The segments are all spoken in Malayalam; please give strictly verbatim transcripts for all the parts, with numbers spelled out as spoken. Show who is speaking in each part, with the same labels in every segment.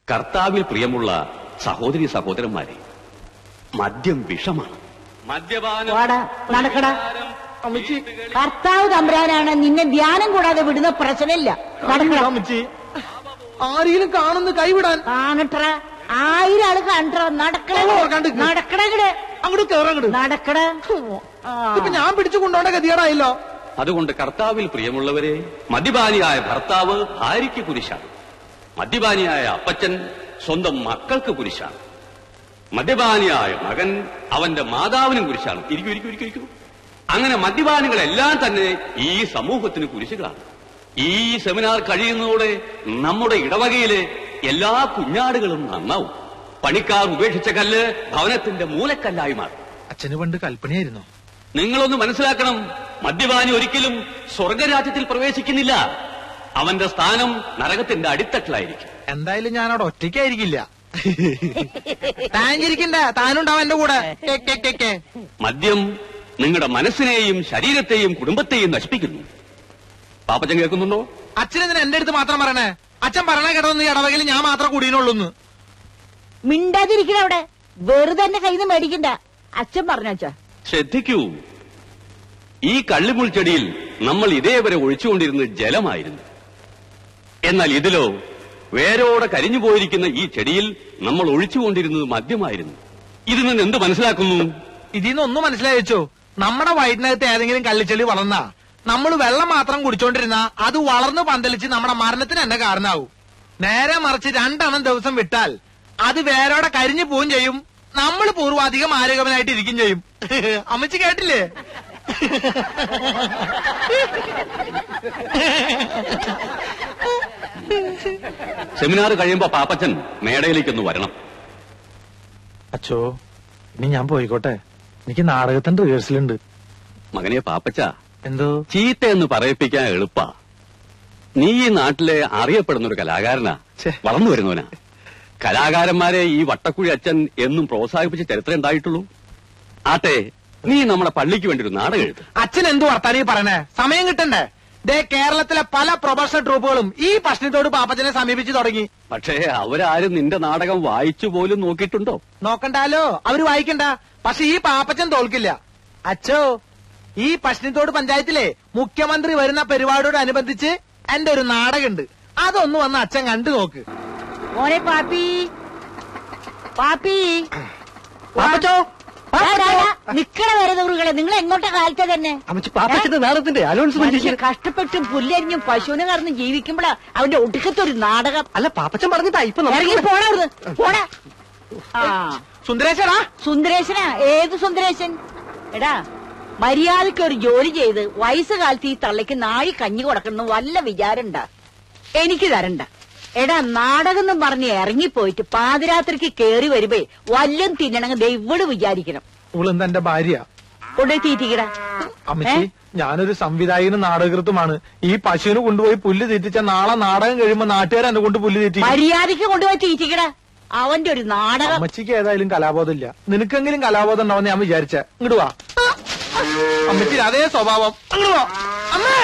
Speaker 1: കർത്താവിൽ പ്രിയമുള്ള സഹോദരി സഹോദരന്മാരെ, മദ്യം വിഷമാണ്. മദ്യപാനം
Speaker 2: നടക്കട. കർത്താവ് തമ്പുരാനാണ്, നിന്നെ ധ്യാനം കൂടാതെ വിടുന്ന പ്രശ്നമില്ല.
Speaker 3: അമ്മച്ചി ആരെങ്കിലും കാണുന്ന കൈവിടാൻ
Speaker 2: കാണട്ട. ആയിരം ആള് കണ്ടോ. നടക്കട നടക്കട
Speaker 3: അങ്ങോട്ട് കേറങ്ങട്
Speaker 2: നടക്കട.
Speaker 3: ഇപ്പൊ ഞാൻ പിടിച്ചു കൊണ്ടോണ്ട ഗതികേടായല്ലോ.
Speaker 1: അതുകൊണ്ട് കർത്താവിൽ പ്രിയമുള്ളവരെ, മദ്യപാനിയായ ഭർത്താവ് ഭാര്യയ്ക്ക് കുരിശാണ്. മദ്യപാനിയായ അപ്പച്ചൻ സ്വന്തം മക്കൾക്ക് കുരിശാണ്. മദ്യപാനിയായ മകൻ അവന്റെ മാതാവിനും കുരിശാണ്. ഇരിക്കൂ ഇരിക്കൂ ഇരിക്കൂ ഇരിക്കൂ. അങ്ങനെ മദ്യപാനികളെല്ലാം തന്നെ ഈ സമൂഹത്തിന് കുരിശുകളാണ്. ഈ സെമിനാർ കഴിയുന്നതോടെ നമ്മുടെ ഇടവകയിലെ എല്ലാ കുഞ്ഞാടുകളും നന്നാവും. പണിക്കാർ ഉപേക്ഷിച്ച കല്ല് ഭവനത്തിന്റെ മൂലക്കല്ലായി മാറും.
Speaker 3: അച്ഛന് പണ്ട് കൽപ്പനയായിരുന്നു.
Speaker 1: നിങ്ങളൊന്ന് മനസ്സിലാക്കണം, മദ്യപാനി ഒരിക്കലും സ്വർഗരാജ്യത്തിൽ പ്രവേശിക്കുന്നില്ല. അവന്റെ സ്ഥാനം നരകത്തിന്റെ അടിത്തട്ടിലായിരിക്കും.
Speaker 3: എന്തായാലും ഞാൻ അവിടെ ഒറ്റയ്ക്കായിരിക്കില്ല. താനിരിക്കണ്ട, താനുണ്ടാവും എന്റെ കൂടെ.
Speaker 1: മദ്യം നിങ്ങളുടെ മനസ്സിനെയും ശരീരത്തെയും കുടുംബത്തെയും നശിപ്പിക്കുന്നു. പാപ്പച്ചൻ കേൾക്കുന്നുണ്ടോ?
Speaker 3: അച്ഛനെന്തിനാ എന്റെ അടുത്ത് മാത്രം പറയണേ? അച്ഛൻ പറഞ്ഞ കേട്ടതൊന്നും ഇടവകയിൽ ഞാൻ മാത്രം കൂടിയുള്ളൂന്ന്.
Speaker 2: മിണ്ടാതിരിക്കണ അവിടെ. വെറുതെ എന്നെ കയ്യിൽ നിന്ന് മേടിക്കണ്ട. അച്ഛൻ പറഞ്ഞാ
Speaker 1: ശ്രദ്ധിക്കൂ. ഈ കള്ളിമുൾ ചെടിയിൽ നമ്മൾ ഇതേവരെ ഒഴിച്ചുകൊണ്ടിരുന്നത് ജലമായിരുന്നു. എന്നാൽ ഇതിലോ വേരോടെ കരിഞ്ഞു പോയിരിക്കുന്ന ഈ ചെടിയിൽ നമ്മൾ ഒഴിച്ചുകൊണ്ടിരുന്നത് മദ്യമായിരുന്നു. ഇതിൽ നിന്ന് എന്ത് മനസ്സിലാക്കുന്നു?
Speaker 3: ഇതിൽ നിന്ന് ഒന്നും മനസ്സിലായിച്ചോ? നമ്മുടെ വയറ്റിനകത്ത് ഏതെങ്കിലും കള്ളിച്ചെളി വളർന്നാ നമ്മൾ വെള്ളം മാത്രം കുടിച്ചോണ്ടിരുന്ന അത് വളർന്ന് പന്തലിച്ച് നമ്മുടെ മരണത്തിന് തന്നെ കാരണമാവും. നേരെ മറിച്ച് രണ്ടെണ്ണം ദിവസം വിട്ടാൽ അത് വേരോടെ കരിഞ്ഞു പോവും ചെയ്യും. നമ്മൾ പൂർവാധികം ആരോഗ്യവനായിട്ട് ഇരിക്കും ചെയ്യും. അമ്മച്ചി കേട്ടില്ലേ?
Speaker 1: സെമിനാർ കഴിയുമ്പോ പാപ്പച്ചൻ മേടയിലേക്കൊന്ന് വരണം.
Speaker 3: അച്ചോ, ഇനി ഞാൻ പോയിക്കോട്ടെ. എനിക്ക് നാടകത്തിന്റെ റിഹേഴ്സലുണ്ട്.
Speaker 1: മകനെ പാപ്പച്ച,
Speaker 3: എന്തോ
Speaker 1: ചീത്തയെന്ന് പറയിപ്പിക്കാൻ എളുപ്പാ. നീ ഈ നാട്ടിലെ അറിയപ്പെടുന്ന ഒരു കലാകാരനാ, വളർന്നു വരുന്നവനാ. കലാകാരന്മാരെ ഈ വട്ടക്കുഴി അച്ഛൻ എന്നും പ്രോത്സാഹിപ്പിച്ച ചരിത്രം ഉണ്ടായിട്ടുള്ളൂ. ആട്ടെ, നീ നമ്മുടെ പള്ളിക്ക് വേണ്ടി ഒരു നാടകം എഴുതും.
Speaker 3: അച്ഛൻ എന്തു വർത്താനീ പറയണേ? സമയം കിട്ടണ്ടേ? ദേ, കേരളത്തിലെ പല പ്രൊഫഷണൽ ട്രൂപ്പുകളും ഈ പ്രശ്നത്തോട് പാപ്പച്ചനെ സമീപിച്ചു തുടങ്ങി.
Speaker 1: പക്ഷേ അവരാരും നിന്റെ നാടകം വായിച്ചു പോലും നോക്കിയിട്ടുണ്ടോ?
Speaker 3: നോക്കണ്ടാലോ, അവര് വായിക്കണ്ട. പക്ഷെ ഈ പാപ്പച്ചൻ തോൽക്കില്ല. അച്ഛോ, ഈ പശ്ചിമത്തോട് പഞ്ചായത്തിലെ മുഖ്യമന്ത്രി വരുന്ന പരിപാടിയോടനുബന്ധിച്ച് എന്റെ ഒരു നാടകമുണ്ട്. അതൊന്ന് വന്ന് അച്ഛൻ കണ്ടു നോക്ക്.
Speaker 2: മോനെ പാപ്പി, പാപ്പി,
Speaker 3: പാപ്പച്ചോ,
Speaker 2: നിക്കണ വരുന്നവരുകളെ, നിങ്ങൾ എങ്ങോട്ടാ കാലത്തെ തന്നെ?
Speaker 3: പാപ്പച്ചന്റെ നാടകത്തിന്റെ അലോൺസ്മെന്റ്.
Speaker 2: കഷ്ടപ്പെട്ടും പുല്ലരിഞ്ഞും പശുവിനെ കറന്ന് ജീവിക്കുമ്പോഴാ അവന്റെ ഒടുക്കത്തൊരു നാടകം.
Speaker 3: അല്ല, പാപ്പച്ചൻ പറഞ്ഞിട്ടാ ഇപ്പൊ
Speaker 2: ഇറങ്ങി പോണായിരുന്നു. പോടാ. ആ
Speaker 3: സുന്ദരേശനാ?
Speaker 2: സുന്ദരേശനാ? ഏത് സുന്ദരേശൻ? എടാ, മര്യാദയ്ക്ക് ഒരു ജോലി ചെയ്ത് വയസ്സുകാലത്ത് ഈ തള്ളയ്ക്ക് നാഴി കഞ്ഞി കൊടുക്കണം വല്ല വിചാരണ്ട. എനിക്ക് തരണ്ട. എടാ, നാടകം എന്നും പറഞ്ഞ് ഇറങ്ങിപ്പോയിട്ട് പാതിരാത്രിക്ക് കേറി വരുമ്പേ വല്ലം തിന്നണമെങ്കിൽ ദൈവട് വിചാരിക്കണം.
Speaker 3: ഇവളെന്താ എന്റെ ഭാര്യ?
Speaker 2: കൊണ്ടുപോയി തീറ്റിക്കടാ.
Speaker 3: അമ്മച്ചി, ഞാനൊരു സംവിധായകനും നാടകൃത്തുമാണ്. ഈ പശുവിന് കൊണ്ടുപോയി പുല്ല് തീറ്റിച്ച നാളെ നാടകം കഴിയുമ്പോ നാട്ടുകാർ എന്നെ കൊണ്ട് പുല്ല് തീറ്റി.
Speaker 2: മര്യാദയ്ക്ക് കൊണ്ടുപോയി തീറ്റിക്കടാ. അവന്റെ ഒരു നാടകം.
Speaker 3: അമ്മച്ചിക്ക് ഏതായാലും കലാബോധമില്ല. നിനക്കെങ്കിലും കലാബോധം ഉണ്ടാവും ഞാൻ വിചാരിച്ച. ഇങ്ങോട്ട് വാ അമ്മച്ചി, അതേ സ്വഭാവം. അങ്ങോട്ട് വാ അമ്മേ.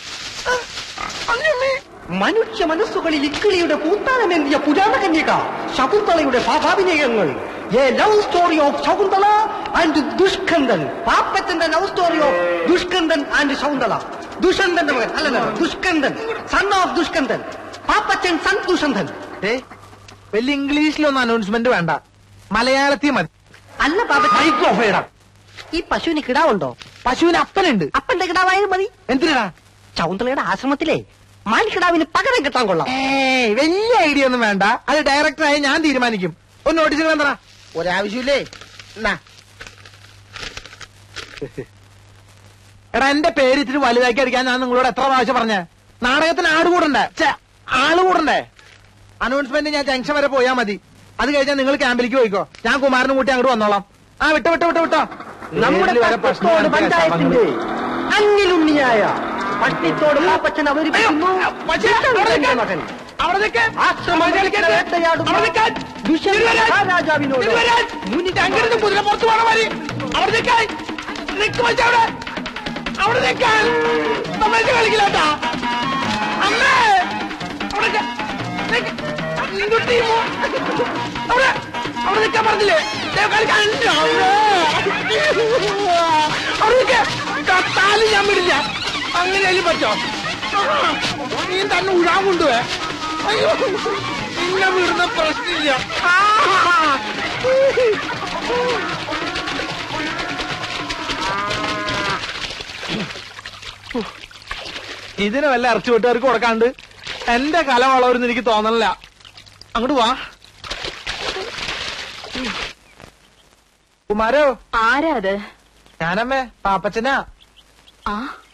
Speaker 4: മനുഷ്യ മനസ്സുകളിൽ ഇക്കിളിയുടെ പൂത്താനമേന്തിയ പുരാണ കന്യക ശകുന്തളയുടെ ഭാവാഭിനയങ്ങൾ. A love story of Shakuntala and Dushkandan. പാപ്പത്തിന്റെ love story of Dushkandan and Shakuntala. ദുഷന്തന്റെ മകൻ അല്ല, Dushkandan, son of Dushkandan. Pappachan son Dushanthan.
Speaker 3: ഏ, വലിയ ഇംഗ്ലീഷിലൊന്നും അനൗൺസ്മെന്റ് വേണ്ട, മലയാളത്തിൽ മതി.
Speaker 4: അല്ല പാപ്പ, ഈ പശുവിന് കിടാവുണ്ടോ?
Speaker 3: പശുവിന് അപ്പനുണ്ട്.
Speaker 4: അപ്പന്റെ കിടാവായാലും മതി.
Speaker 3: എന്തിനാ?
Speaker 4: ശകുന്തളയുടെ ആശ്രമത്തിലെ മാൻകിടാവിന് പകരം കിട്ടാൻ കൊള്ളാം.
Speaker 3: ഏയ്, വലിയ ഐഡിയ ഒന്നും വേണ്ട. അത് ഡയറക്ടറായി ഞാൻ തീരുമാനിക്കും. ഒന്ന് നോട്ടീസുകൾ എന്താ? ഒരാവശ്യമില്ലേ? എടാ, എന്റെ പേര് ഇത്തിരി വലുതാക്കി അടിക്കാൻ ഞാൻ നിങ്ങളോട് എത്ര പ്രാവശ്യം പറഞ്ഞേ? നാടകത്തിന് ആട് കൂടണ്ടേ? ആള് കൂടണ്ടേ? അനൗൺസ്മെന്റ് ഞാൻ ജംഗ്ഷൻ വരെ പോയാ മതി. അത് കഴിഞ്ഞാൽ നിങ്ങൾ ക്യാമ്പിലേക്ക് പോയിക്കോ. ഞാൻ കുമാരനും കൂട്ടി അങ്ങോട്ട് വന്നോളാം. ആ, വിട്ടോ വിട്ടോ വിട്ടോ വിട്ടോ.
Speaker 4: നമ്മുടെ പഞ്ചായത്തിന്റെ അന്നിലുണ്ണിയായ പട്ടിത്തോട് പാപ്പച്ചൻ അവതരിപ്പിക്കുന്നു മകൻ രാജാവിനോട്
Speaker 3: കുതിര പുറത്തു പോണ മാതിരി അവിടെ നിൽക്കാൻ അവിടെ നിൽക്കാൻ നമ്മൾ കളിക്കില്ലാട്ടാ. അമ്മേ, അവിടെ എന്തുട്ടി അവിടെ അവിടെ നിൽക്കാൻ പറഞ്ഞില്ലേ കളിക്കാൻ അവിടെ കത്താലും ഞാൻ വിടില്ല. അങ്ങനെയാലും പറ്റോ? നീ തന്നെ ഉഴാൻ കൊണ്ടുപോയെ. അയ്യോ നിന്നെ വിടുന്ന പ്രശ്നമില്ല. ഇതിന് വല്ല ഇറച്ചി വെട്ടുകാർക്ക് കൊടുക്കാണ്ട് എന്റെ കല വളവരുന്ന് എനിക്ക് തോന്നണില്ല. അങ്ങോട്ട് വാ. കുമാരോ.
Speaker 2: ആരാ അത്?
Speaker 3: ഞാനമ്മേ പാപ്പച്ചനാ.
Speaker 2: ആ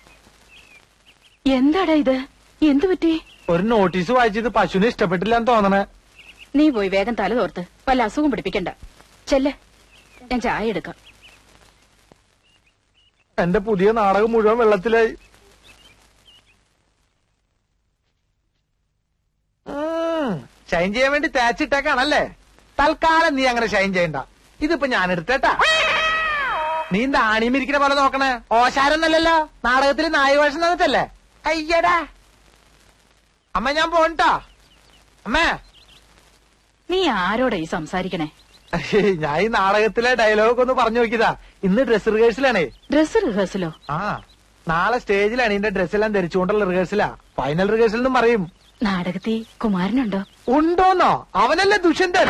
Speaker 2: എന്താടാ ഇത്? എന്തു പറ്റി?
Speaker 3: ഒരു നോട്ടീസ് വായിച്ചത് പശുവിനെ ഇഷ്ടപ്പെട്ടില്ലാന്ന് തോന്നണേ.
Speaker 2: നീ പോയി വേഗം തല തോർത്ത് വല്ല അസുഖം പിടിപ്പിക്കണ്ട. ചെല്ല്, ഞാൻ ചായ എടുക്കാം.
Speaker 3: എന്റെ പുതിയ നാടകം മുഴുവൻ വെള്ളത്തിലായി. ഷൈൻ ചെയ്യാൻ വേണ്ടി തേച്ചിട്ടേക്കാണല്ലേ? തൽക്കാലം നീ അങ്ങനെ ഷൈൻ ചെയ്യണ്ട. ഇതിപ്പോ ഞാൻ എടുത്തേട്ടാ. നീ എന്താ ആണിമിരിക്കുന്ന പോലെ നോക്കണേ? ഓശാരൊന്നല്ലല്ലോ, നാടകത്തിൽ നായവേഷം തന്നിട്ടല്ലേ? അയ്യടാ അമ്മ ഞാൻ പോണ്ടാ. അമ്മേ
Speaker 2: നീ ആരോടാ ഈ സംസാരിക്കണേ?
Speaker 3: ഞാൻ ഈ നാടകത്തിലെ ഡയലോഗ് ഒന്ന് പറഞ്ഞു നോക്കിയതാ. ഇന്ന് ഡ്രസ് റിഹേഴ്സലാണേ.
Speaker 2: ഡ്രസ് റിഹേഴ്സലോ? ആ
Speaker 3: നാളെ സ്റ്റേജിലാണ് ഇതിന്റെ ഡ്രസ്സെല്ലാം ധരിച്ചുകൊണ്ടുള്ള റിഹേഴ്സലാ. ഫൈനൽ റിഹേഴ്സൽ എന്നും പറയും.
Speaker 2: നാടകത്തിൽ കുമാരനുണ്ടോ?
Speaker 3: ഉണ്ടോന്നോ? അവനല്ലേ ദുഷ്യന്തൻ.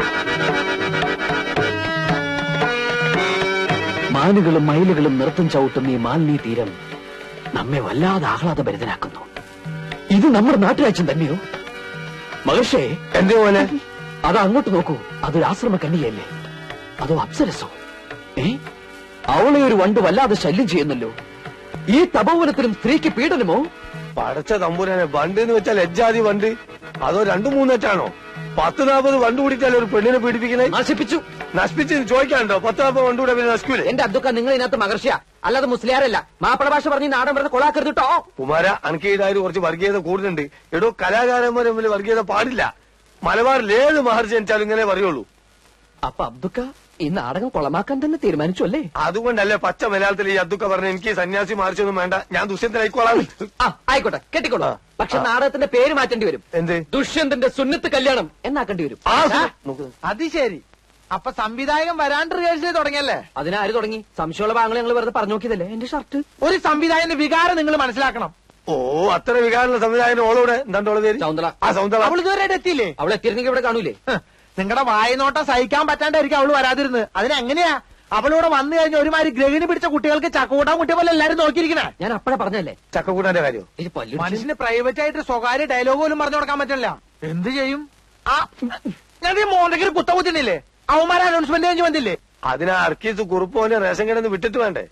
Speaker 5: മാനുകളും മയിലുകളും നൃത്തം ചവിട്ടുന്ന ഈ മാലിന്യ തീരം നമ്മെ വല്ലാതെ ആഹ്ലാദഭരിതനാക്കുന്നു. ഇത് നമ്മുടെ നാട്ടുരാജ്യം തന്നെയോ? മഹർഷേ,
Speaker 3: എന്തേ പോലെ
Speaker 5: അത് അങ്ങോട്ട് നോക്കൂ. അതൊരു ആശ്രമ കന്യകയല്ലേ? അതോ അപ്സരസോ? ഏ അവളെ ഒരു വണ്ട് വല്ലാതെ ശല്യം ചെയ്യുന്നല്ലോ. ഈ തപോവനത്തിലും സ്ത്രീക്ക് പീഡനമോ?
Speaker 6: പടച്ച തമ്പുരാനെ, വണ്ട് എന്ന് വെച്ചാൽ ലജ്ജാതി വണ്ട്. അതോ രണ്ടു മൂന്നെറ്റാണോ? പത്ത് നാൽപ്പത് വണ്ട് കൂടിയിട്ടല്ലേ ഒരു പെണ്ണിനെ പീഡിപ്പിക്കണേ?
Speaker 5: നശിപ്പിച്ചു.
Speaker 6: നശിപ്പിച്ച് ചോദിക്കാനുണ്ടോ? പത്ത് നാൽപ്പത് വണ്ട് കൂടെ പിന്നെ നശിക്കൂലേ?
Speaker 5: എന്റെ അബ്ദുക്ക, നിങ്ങൾ ഇതിനകത്ത് മഹർഷിയ അല്ലാതെ മുസ്ലിയാരല്ല. മാപ്പിള ഭാഷ പറഞ്ഞ് നാടൻ പറഞ്ഞ് കൊളാക്കരുത് കേട്ടോ.
Speaker 6: കുമാര, അനക്കീടായാലും കുറച്ച് വർഗീയത കൂടുതലുണ്ട്. എടോ, കലാകാരന്മാർ തമ്മിൽ വർഗീയത പാടില്ല. മലബാറിൽ ഏത് മഹർജി ജനിച്ചാലും ഇങ്ങനെ പറയുള്ളൂ.
Speaker 5: അപ്പൊ അബ്ദുക്ക ഈ നാടകം കൊളമാക്കാൻ തന്നെ തീരുമാനിച്ചു അല്ലേ?
Speaker 6: അതുകൊണ്ടല്ലേ പച്ച മലയാളത്തിൽ ഈ അദ്ദുക്ക പറഞ്ഞ എനിക്ക് സന്യാസി മാറിച്ചൊന്നും വേണ്ട, ഞാൻ ദുഷ്യന്തനായിക്കോളാം.
Speaker 5: ആ ആയിക്കോട്ടെ, കെട്ടിക്കോളൂ. പക്ഷെ നാടകത്തിന്റെ പേര് മാറ്റേണ്ടി വരും.
Speaker 6: എന്ത്?
Speaker 5: ദുഷ്യന്തന്റെ സുന്നത്ത് കല്യാണം എന്നാക്കേണ്ടി വരും.
Speaker 6: ആ,
Speaker 3: അത് ശരി. അപ്പൊ സംവിധായകൻ വരാണ്ട് റിഹേഴ്സൽ തുടങ്ങിയല്ലേ?
Speaker 5: അതിനാര് തുടങ്ങി? സംശയമുള്ള ഭാഗങ്ങൾ ഞങ്ങൾ വെറുതെ പറഞ്ഞു നോക്കിയതല്ലേ. എന്റെ ഷർട്ട്.
Speaker 3: ഒരു സംവിധായകന്റെ വികാരം നിങ്ങൾ മനസ്സിലാക്കണം.
Speaker 6: ഓ, അത്ര വികാരമുള്ള സംവിധായകൻ ഓളോടെ എന്താണ്ടോളെ പേര്?
Speaker 5: സൗന്ദല.
Speaker 6: ആ സൗന്ദല.
Speaker 3: അവൾ ഇതുവരെ എത്തിയില്ലേ?
Speaker 5: അവളെ എത്തിയിരുന്നെങ്കിൽ ഇവിടെ കാണൂലേ?
Speaker 3: നിങ്ങളുടെ വായനോട്ടം സഹിക്കാൻ പറ്റാണ്ടായിരിക്കും അവള് വരാതിരുന്നത്. അതിനെങ്ങനെയാ അവളിവിടെ വന്നു കഴിഞ്ഞ ഒരുമാതിരി ഗ്രഹിണി പിടിച്ച കുട്ടികൾക്ക് ചക്കൂട്ടാൻ കുട്ടിയെ പോലെ എല്ലാരും നോക്കിയിരിക്കണേ.
Speaker 5: ഞാൻ അപ്പഴേ പറഞ്ഞല്ലേ
Speaker 6: ചക്കക്കൂട്ടാന്റെ കാര്യം.
Speaker 5: ഇത് പല്ലു
Speaker 3: മനുഷ്യന് പ്രൈവറ്റ് ആയിട്ട് സ്വകാര്യ ഡയലോഗ് പോലും പറഞ്ഞു കൊടുക്കാൻ പറ്റില്ല. എന്ത് ചെയ്യും? ആ ഞാൻ ഈ മോന്തയ്ക്ക് കുത്ത കുത്തിനില്ലേ? അവന്മാരെ അനൗൺസ്മെന്റ് കഴിഞ്ഞ് വന്നില്ലേ?
Speaker 6: അതിനാ അർക്കീസ് കുറുപ്പോനെ റേഷൻ കിടന്ന് വിട്ടിട്ട് വേണ്ടേ?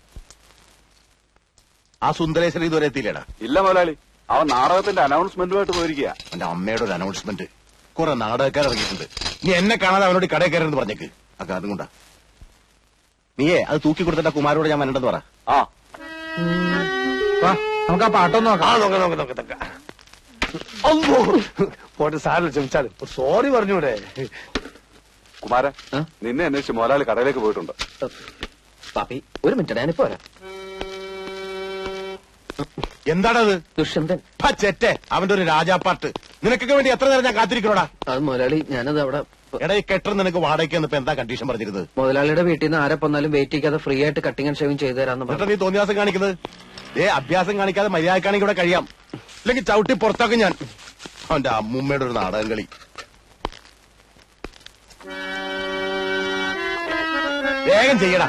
Speaker 7: ആ സുന്ദരേശ്വരൻ ഇതുവരെ എത്തിയില്ലേടാ?
Speaker 8: ഇല്ല മുതലാളി, അവൻ നാടകത്തിന്റെ അനൗൺസ്മെന്റുമായിട്ട് പോയിരിക്കുക.
Speaker 7: എന്റെ അമ്മയുടെ ഒരു അനൗൺസ്മെന്റ്. കുറെ നാടകക്കാർ ഇറങ്ങിയിട്ടുണ്ട്. നീ എന്നെ കാണാതെ അവനോട് കടയിൽ കയറെന്ന് പറഞ്ഞേക്ക്. അക്ക അതും കൊണ്ടാ. നീയേ അത് തൂക്കി കൊടുത്തിട്ട് കുമാരോട് ഞാൻ വരണ്ടെന്ന് പറ.
Speaker 8: ആ
Speaker 3: വാ, നമുക്ക് ആ പാട്ടൊന്നും
Speaker 6: ആ
Speaker 3: നോക്കാം.
Speaker 6: നോക്ക നോക്ക നോക്ക തക്ക. അമ്പോ പോട്ടെ, സാറിന് ക്ഷമിച്ചാലും സോറി പറഞ്ഞൂടെ?
Speaker 8: കുമാര, നിന്നെ അന്വേഷിച്ച് മുതലാളി കടയിലേക്ക് പോയിട്ടുണ്ട്.
Speaker 5: പാപ്പി ഒരു മിനിറ്റ്, ഞാനിപ്പോ വരാം.
Speaker 7: എന്താണത്?
Speaker 5: ദുഷ്യന്തൻ.
Speaker 7: ചെറ്റെ അവന്റെ ഒരു രാജാപ്പാട്ട്. നിനക്കൊക്കെ വേണ്ടി എത്ര നേരം ഞാൻ കാത്തിരിക്കണോടാ?
Speaker 5: അത് മുതലാളി, ഞാനത് അവിടെ
Speaker 7: എടാ ഈ കെട്ടർ നിനക്ക് വാടകയ്ക്ക് ഇപ്പൊ എന്താ കണ്ടീഷൻ പറഞ്ഞിരുന്നത്?
Speaker 5: മുതലാളിയുടെ വീട്ടിൽ നിന്ന് ആരെ വന്നാലും വെയിറ്റ് ചെയ്യാതെ ഫ്രീ ആയിട്ട് കട്ടിങ് ആൻഡ് ഷേവിംഗ് ചെയ്തു തരാന്ന്
Speaker 7: എന്നിട്ട്
Speaker 5: പറഞ്ഞു.
Speaker 7: നീ തോന്നിയാസം കാണിക്കുന്നത്? ഏ അഭ്യാസം കാണിക്കാതെ മര്യാദക്കാണെങ്കിൽ ഇവിടെ കഴിയാം. ഇല്ലെങ്കിൽ ചവിട്ടി പുറത്താക്കും ഞാൻ. അവന്റെ അമ്മൂമ്മയുടെ ഒരു നാടകം കളി. വേഗം ചെയ്യടാ.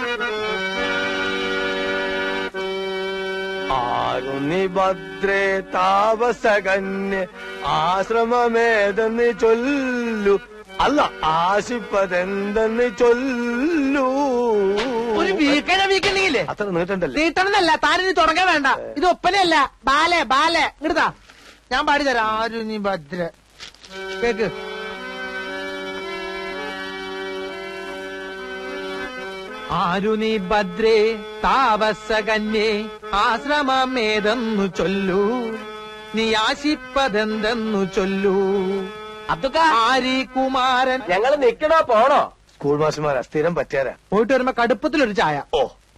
Speaker 6: ആരുന്നി ഭദ്രേ താപസകന്യ ആശ്രമമേതെന്ന് ചൊല്ലു. അല്ല, ആശിപ്പതെന്തെന്ന് ചൊല്ലു.
Speaker 3: ഒരു വീക്കണ വീക്കണ്ടെങ്കിലേ
Speaker 6: അത്ര നീട്ടണ്ടല്ലേ?
Speaker 3: നീട്ടണമെന്നല്ല, താനിനി തുടങ്ങാൻ വേണ്ട. ഇത് ഒപ്പനയല്ല, ബാലെ ബാലെ. ഇങ്ങടുതാ, ഞാൻ പാടിത്തരാം. ആരു നീ ഭദ്ര കേക്ക്. ആരു നീ ഭദ്രേ താപസകന്യേ ആശ്രമമേതെന്നു ചൊല്ലൂ, നീ ആശിപ്പതെന്തെന്നു ചൊല്ലൂ.
Speaker 5: അബ്ദുക്ക,
Speaker 3: ആരി കുമാരൻ.
Speaker 5: ഞങ്ങൾ നിക്കണോ പോണോ?
Speaker 6: സ്കൂൾ മാഷന്മാരാ, സ്ഥിരം പറ്റിയാരാ.
Speaker 3: പോയിട്ട് വരുമ്പോ കടുപ്പത്തിലൊരു ചായ.
Speaker 6: ഓ,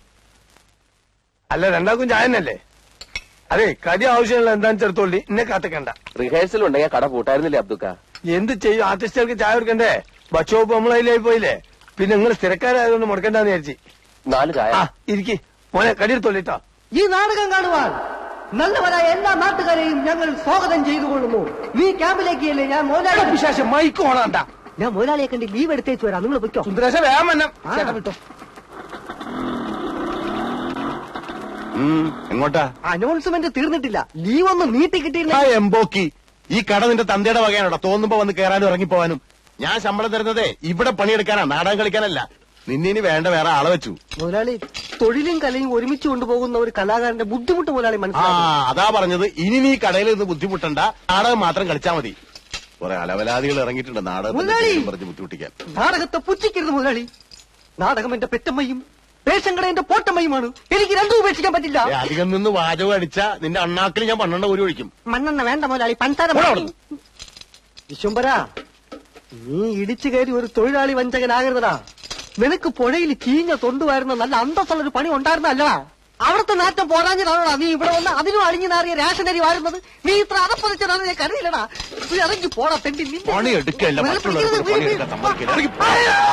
Speaker 6: അല്ല രണ്ടാക്കും ചായ തന്നെയല്ലേ? അതെ, കടി ആവശ്യമുള്ള എന്താണെന്ന് ചെറുത്തോളി, എന്നെ കാത്തിക്കണ്ട.
Speaker 8: റിഹേഴ്സൽ ഉണ്ടെങ്കിൽ കട പൂട്ടായിരുന്നില്ലേ അബ്ദുക്ക?
Speaker 6: എന്ത് ചെയ്യും? ആർട്ടിസ്റ്റുകൾക്ക് ചായ കൊടുക്കണ്ടേ? ഭക്ഷോപ്പ് നമ്മളതിലായി പോയില്ലേ? പിന്നെ നിങ്ങൾ സ്ഥിരക്കാരായതുകൊണ്ട് മുടക്കണ്ടെന്ന് വിചാരിച്ചു.
Speaker 5: നാല് ചായ.
Speaker 6: ആ ഇരിക്കി മോനെ, കടിയെടുത്തോളിട്ടോ.
Speaker 4: ഈ നാടകം കാണുവാൻ നല്ലവരായ എല്ലാ നാട്ടുകാരെയും ഞങ്ങൾ സ്വാഗതം ചെയ്തുകൊള്ളുന്നു. ഈ ക്യാമ്പിലേക്ക് അല്ലേ ഞാൻ മോലാളി
Speaker 6: വിശേഷം മൈക്ക് ഓണാണ്ട.
Speaker 4: ഞാൻ മോലാളിയെ കണ്ട് ലീവ് എടുത്തേച്ചു വരാം. നിങ്ങൾ പൊയ്ക്കോ.
Speaker 6: സുന്ദരേശ വേഗം വന്നം. ചേട്ടാ വിട്ടോ.
Speaker 7: എങ്ങോട്ടാ?
Speaker 4: അനൗൺസ്മെന്റ് തീർന്നിട്ടില്ല. ലീവ് ഒന്ന് നീട്ടി കിട്ടിയില്ല.
Speaker 7: ആ എംബോക്കി, ഈ കട നിന്റെ തന്തയുടെ വകയാണോ? തോന്നുമ്പോ വന്ന് കയറാനും ഇറങ്ങിപ്പോവാനും. ഞാൻ ശമ്പളം തരുന്നതേ ഇവിടെ പണിയെടുക്കാനാ, നാടകം കളിക്കാനല്ല. നിന്നിനി വേണ്ട വേറെ ആളെ വെച്ചു.
Speaker 4: മുതലാളി, തൊഴിലും കലയും ഒരുമിച്ച് കൊണ്ടുപോകുന്ന ഒരു കലാകാരന്റെ ബുദ്ധിമുട്ട് മുതലാളി
Speaker 7: ആ
Speaker 4: മനസ്സിലാക്കി.
Speaker 7: അതാ പറഞ്ഞത്. ഇനി നീ കടയിൽ നിന്ന് ബുദ്ധിമുട്ടണ്ട, നാടകം മാത്രം കളിച്ചാ മതി. കുറെ അലവലാദികൾ ഇറങ്ങിയിട്ടുണ്ട്
Speaker 4: മുതലാളി,
Speaker 7: നാടകം പറഞ്ഞ് ബുദ്ധിമുട്ടിക്കാൻ.
Speaker 4: നാടകത്തെ പുച്ഛിക്കരുത് മുതലാളി. നാടകം എന്റെ പെറ്റമ്മയും റേഷൻ കട എന്റെ പോട്ടമ്മയുമാണ്. എനിക്ക് രണ്ടും ഉപേക്ഷിക്കാൻ പറ്റില്ല.
Speaker 7: ഏ, അധികം നിന്ന് വാചകം അടിച്ച നിന്റെ അണ്ണാക്കിൽ ഞാൻ പന്ത്രണ്ട് ഒരു ഒഴിക്കും.
Speaker 4: മണ്ണെണ്ണ വേണ്ട മുതലാളി, പഞ്ചാര വിശ്വംബര, നീ ഇടിച്ചു കയറി ഒരു തൊഴിലാളി വഞ്ചകനാകരുതടാ. നിനക്ക് പുഴയിൽ ചീഞ്ഞ തൊണ്ടുവായിരുന്ന നല്ല അന്തസ്സുള്ളൊരു പണി ഉണ്ടായിരുന്നല്ലടാ. അവിടുത്തെ നാറ്റം പോരാഞ്ഞതാണോടാ നീ ഇവിടെ വന്ന് അതിനും അഴിഞ്ഞു നാറിയ റേഷനരി വാഴുന്നത്? നീ ഇത്ര അറപ്പതിച്ചതാണ് ഞാൻ കരുതിയില്ലടാ. നീ ഇറങ്ങി പോടാ തെണ്ടി.
Speaker 7: പണി എടുക്കല്ല, മറ്റുള്ളവർക്ക് പണിയെടുക്കാൻ സമ്മതിക്കില്ല. ഇറങ്ങി പോ.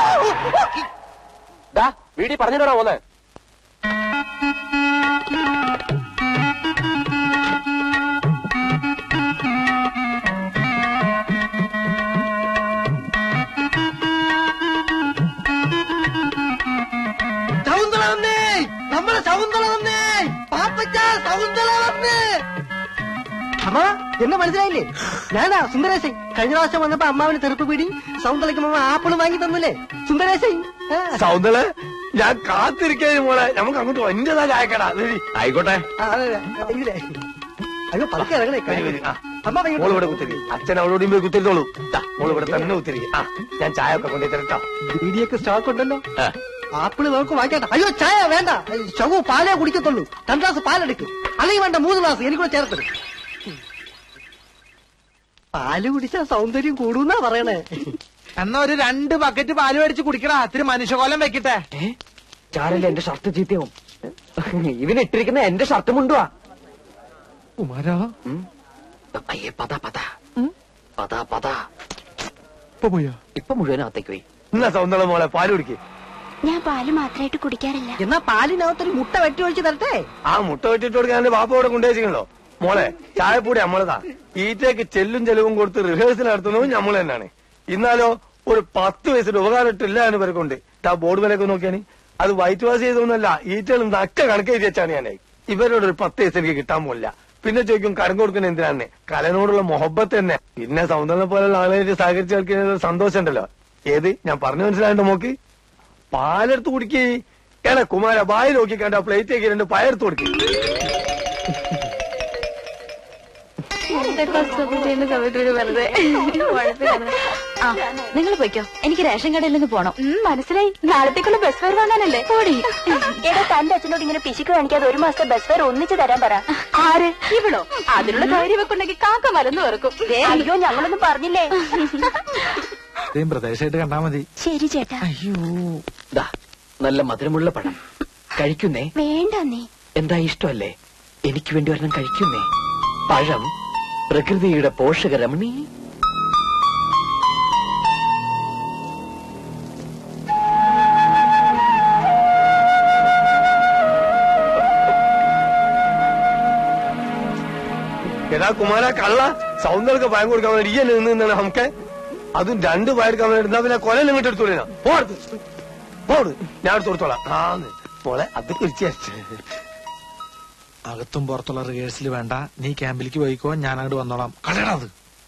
Speaker 5: വീടി പറഞ്ഞിട്ടാ പോന്നെ.
Speaker 4: ശകുന്തള വന്നേ, നമ്മളെ ശകുന്തള വന്നേ, പാപ്പച്ച ശകുന്തള വന്നേ. അമ്മ എന്നെ മനസ്സിലായില്ലേ? ഞാനാ സുന്ദരേശൻ. കഴിഞ്ഞ പ്രാവശ്യം വന്നപ്പോ അമ്മാവിന് തെറുപ്പ് പീടി സൗന്ദര്യക്ക് അമ്മ ആപ്പിള് വാങ്ങി തന്നില്ലേ സുന്ദരേശൻ?
Speaker 6: സൗന്ദര്യ ഞാൻ കാത്തിരിക്കാൻ മോളെ. നമുക്ക് അങ്ങോട്ട് എന്റേതാ ചായക്കടാ.
Speaker 7: ആയിക്കോട്ടെ.
Speaker 4: അയ്യോ പതുക്കെ ഇറങ്ങണേ. അമ്മ
Speaker 6: മോള് ഇവിടെ കുത്തിരി, അച്ഛൻ അവളോടും പോയി കുത്തിരിത്തോളൂ. മോള് ഇവിടെ തന്നെ കുത്തിരി. ആ ഞാൻ ചായ ഒക്കെ കൊണ്ടു തരട്ടോ.
Speaker 4: ബീഡിയൊക്കെ സ്റ്റോക്ക് ഉണ്ടല്ലോ. ആപ്പിള് നമുക്ക് വാങ്ങിക്കട്ടെ. അയ്യോ ചായ വേണ്ട, ശവു പാലേ കുടിക്കത്തുള്ളൂ. രണ്ട് ഗ്ലാസ് പാലെടുക്കും, അല്ലെങ്കിൽ വേണ്ട മൂന്ന് ഗ്ലാസ് എനിക്കൂടെ ചേർത്തത്. പാല് കുടിച്ചാ സൗന്ദര്യം കൂടുന്നാ പറയണേ.
Speaker 3: എന്നാ ഒരു രണ്ട് ബക്കറ്റ് പാല് മേടിച്ച് കുടിക്കടാ. ഇത്തിരി മനുഷ്യകോലം വെക്കട്ടെ.
Speaker 5: ചാരല്ലേ എന്റെ ഷർട്ട് ചീത്തയാവും. ഇവനിട്ടിരിക്കുന്ന എന്റെ ഷർട്ട് മുണ്ടുവാ.
Speaker 3: കുമാരാ,
Speaker 5: അയ്യേ പതാ പതാ പതാ പതാ.
Speaker 3: ഇപ്പൊ പോയാ?
Speaker 5: ഇപ്പൊ മുഴുവനകത്തേക്ക് പോയി.
Speaker 6: എന്നാ സൗന്ദര്യ മോളെ പാല് കുടിക്കേ.
Speaker 9: ഞാൻ പാല് മാത്രമായിട്ട് കുടിക്കാറില്ല.
Speaker 4: എന്നാ പാലിനകത്തൊരു മുട്ട വെട്ടി ഒഴിച്ച് തരട്ടെ.
Speaker 6: ആ മുട്ട വെട്ടിട്ട് കൊടുക്കാൻ എന്റെ ബാപ്പ ഇവിടെ കൊണ്ടുവച്ചിട്ടുണ്ടോ? മോളെ ചായപ്പൂടി നമ്മളതാ. ഈറ്റേക്ക് ചെല്ലും ചെലവും കൊടുത്ത് റിഹേഴ്സൽ നടത്തുന്നതും നമ്മൾ തന്നെയാണ്. ഇന്നാലോ ഒരു പത്ത് വയസ്സിന്റെ ഉപകാരം ഇട്ടില്ല എന്ന് പേർക്കുണ്ട്. ആ ബോർഡ് വിലയൊക്കെ നോക്കിയാണ്. അത് വൈറ്റ് വാഷ് ചെയ്തൊന്നല്ല, ഈറ്റകളും നക്ക കണക്കെഴുതി വെച്ചാണ് ഞാൻ. ഇവരോട് ഒരു പത്ത് വയസ്സ് എനിക്ക് കിട്ടാൻ പോലില്ല. പിന്നെ ചോദിക്കും കരം കൊടുക്കുന്ന എന്തിനാണ്? കലനോടുള്ള മൊഹബത്ത് തന്നെ. പിന്നെ സൗന്ദര്യം പോലുള്ള ആളുകളായിട്ട് സഹകരിച്ച് കളിക്കുന്ന സന്തോഷം ഉണ്ടല്ലോ. ഏത് ഞാൻ പറഞ്ഞു മനസ്സിലായിട്ട് നോക്ക്. പാലെടുത്ത് കുടിക്കേ. ഏടാ കുമാര വായി നോക്കിക്കണ്ട പ്ലേറ്റേക്ക് രണ്ട് പയർത്ത് കൊടുക്കേ.
Speaker 9: നിങ്ങൾ പോയിക്കോ, എനിക്ക് റേഷൻ കടയിൽ നിന്ന് പോണം. മനസ്സിലായി, നാളത്തേക്കുള്ള ബസ് ഫെയർ വാങ്ങാനല്ലേ? പോടി. എടാ തന്റെ അച്ഛനോട് ഇങ്ങനെ പിശുക്ക് കാണിക്കാതെ ഒരു മാസത്തെ ബസ് ഫെയർ ഒന്നിച്ച് തരാൻ പറ. ആര്? ഇവളോ? അതിനുള്ള ധൈര്യം വെക്കുണ്ടെങ്കിൽ കാക്ക മലന്ന് വെറുക്കും. അയ്യോ ഞങ്ങളൊന്നും പറഞ്ഞില്ലേ.
Speaker 3: പ്രദേശമായിട്ട് കണ്ടാ മതി.
Speaker 9: ശരി ചേട്ടാ.
Speaker 3: അയ്യോ
Speaker 5: ദാ നല്ല മധുരമുള്ള പഴം കഴിക്കുന്നേ.
Speaker 9: വേണ്ട നീ.
Speaker 5: എന്താ ഇഷ്ടമല്ലേ? എനിക്ക് വേണ്ടി ഒരെണ്ണം കഴിക്കുന്നേ. പഴം പ്രകൃതിയുടെ പോഷകരമണി.
Speaker 6: എടാ കുമാര കള്ള, സൗന്ദര്യ പയം കൊടുക്കാൻ വേണ്ടി ഈ നിന്ന് നിന്നാണ് നമുക്ക്. അതും രണ്ട് പയർക്കാൻ വേണ്ടി എന്നാ പിന്നെ കൊല ഇങ്ങോട്ട് എടുത്തോളിനാ. പോടുത്ത് പോട്, ഞാൻ എടുത്ത് കൊടുത്തോളാം. ആ മോളെ അത് കുറിച്ച്
Speaker 3: അകത്തും പുറത്തുള്ള റിഹേഴ്സൽ വേണ്ട. നീ ക്യാമ്പിലേക്ക് പോയിക്കോ, ഞാൻ അങ്ങോട്ട് വന്നോളാം. കളയണത്.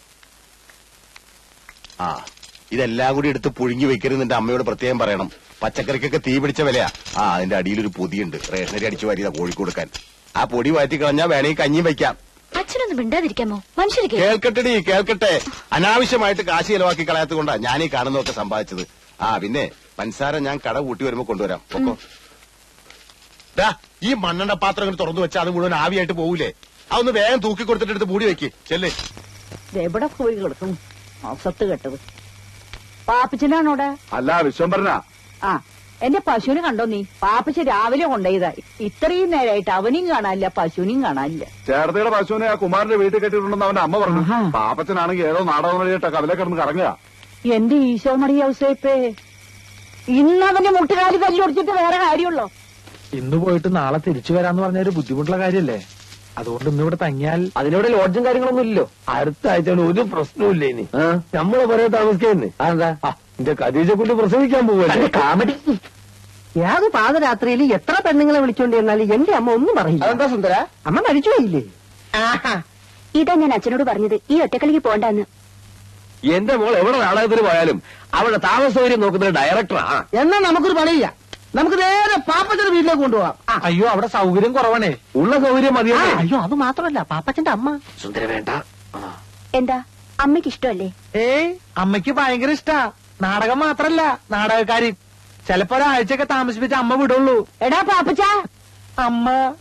Speaker 7: ആ ഇതെല്ലാം കൂടി എടുത്ത് പുഴുങ്ങി വെക്കരുത്. നിന്റെ അമ്മയോട് പ്രത്യേകം പറയണം. പച്ചക്കറിക്കൊക്കെ തീ പിടിച്ച വിലയാ. ആ അതിന്റെ അടിയിലൊരു പൊതിയുണ്ട്, റേഷനരി അടിച്ചു വാരിയതാ കോഴിക്ക് കൊടുക്കാൻ. ആ പൊടി വാറ്റി കളഞ്ഞാ വേണമെങ്കിൽ കഞ്ഞിയും വെക്കാം.
Speaker 9: അച്ഛനൊന്നും മിണ്ടാതിരിക്കാമോ? മനുഷ്യർ
Speaker 7: കേൾക്കട്ടെടി കേൾക്കട്ടെ. അനാവശ്യമായിട്ട് കാശ് ചെലവാക്കി കളയാത്തത് കൊണ്ടാ ഞാൻ ഈ കാണുന്നതൊക്കെ സമ്പാദിച്ചത്. ആ പിന്നെ പഞ്ചസാര ഞാൻ കട കൂട്ടി വരുമ്പോ കൊണ്ടുവരാം. പൊക്കോ. ദാ ഈ മണ്ണെണ്ണ പാത്രം ഇങ്ങനെ തുറന്നു വെച്ചാൽ അത് മുഴുവൻ ആവിയായിട്ട് പോകൂലേ? അതൊന്ന് വേഗം തൂക്കി കൊടുത്തിട്ട് എടുത്ത് മൂടി വെക്ക്. ചെല്ലേ.
Speaker 2: എവിടെ പോയി കിടക്കും അസത്ത് കെട്ടത്. പാപ്പിച്ചനാണോടെ?
Speaker 8: അല്ല വിശ്വംഭരനാ.
Speaker 2: ആ എന്റെ പശുവിനെ കണ്ടോ നീ? പാപ്പച്ച രാവിലെ കൊണ്ടുപോയതാ. ഇത്രയും നേരമായിട്ട് അവനെയും കാണാനില്ല, പശുവിനെയും കാണാനില്ല.
Speaker 8: ചേർത്തയുടെ പശുവിനെ ആ കുമാരന്റെ വീട്ടിൽ കെട്ടിയിട്ടുണ്ടെന്ന് അവന്റെ അമ്മ പറഞ്ഞു. പാപ്പച്ചനാണെങ്കിൽ ഏതോ നാടകം വഴിയിട്ട് കവലെ കിടന്ന് കറങ്ങുക.
Speaker 2: എന്റെ ഈശോ മറിയ ഔസേപ്പേ, ഇന്ന് അവന്റെ മുട്ടുകാലി തല്ലൊടിച്ചിട്ട് വേറെ കാര്യമുള്ളോ?
Speaker 3: ഇന്ന് പോയിട്ട് നാളെ തിരിച്ചു വരാന്ന് പറഞ്ഞ ഒരു ബുദ്ധിമുട്ടുള്ള കാര്യല്ലേ? അതുകൊണ്ട് ഇന്നിവിടെ തങ്ങിയാൽ
Speaker 5: അതിനോട് ലോഡ്ജും കാര്യങ്ങളൊന്നും ഇല്ലല്ലോ.
Speaker 6: അടുത്ത ആഴ്ച ഒരു പ്രശ്നവും ഇല്ല ഇനി. നമ്മളെ പറയാൻ താമസിക്കുന്നേ.
Speaker 5: അതെന്താ?
Speaker 6: എന്റെ ഖദീജ കൊണ്ട് പ്രസവിക്കാൻ പോവല്ലേ.
Speaker 5: കാമഡി.
Speaker 4: ഏത് പാതരാത്രിയിൽ എത്ര പെണ്ണുങ്ങളെ വിളിച്ചോണ്ട് ചെന്നാലും എന്റെ അമ്മ ഒന്നും പറയില്ല.
Speaker 5: അതെന്താ സുന്ദര?
Speaker 4: അമ്മ മരിച്ചുപോയില്ലേ?
Speaker 9: ഇതാ ഞാൻ അച്ഛനോട് പറഞ്ഞത്, ഈ ഒറ്റക്കളിക്ക് പോണ്ടെന്ന്.
Speaker 5: എന്റെ മോൾ എവിടെ നാടകത്തിന് പോയാലും അവളുടെ താമസ സൗകര്യം നോക്കുന്നത് ഡയറക്ടറാ.
Speaker 4: എന്നാ നമുക്കൊരു പണിയില്ല, നമുക്ക് നേരെ പാപ്പച്ചന്റെ വീട്ടിലേക്ക് കൊണ്ടുപോവാം.
Speaker 3: അയ്യോ അവിടെ സൗകര്യം കുറവാണേ.
Speaker 5: ഉള്ള സൗകര്യം മതിയോ?
Speaker 4: അയ്യോ അത് മാത്രമല്ല, പാപ്പച്ചന്റെ അമ്മ.
Speaker 5: സുന്ദര വേണ്ട.
Speaker 9: എന്താ അമ്മയ്ക്ക് ഇഷ്ടമല്ലേ?
Speaker 3: ഏയ് അമ്മയ്ക്ക് ഭയങ്കര ഇഷ്ടാ. നാടകം മാത്രല്ല, നാടകക്കാരി. ചിലപ്പോ ഒരാഴ്ചയൊക്കെ താമസിപ്പിച്ച അമ്മ വിടുള്ളൂ.
Speaker 2: എടാ പാപ്പച്ച,
Speaker 3: അമ്മ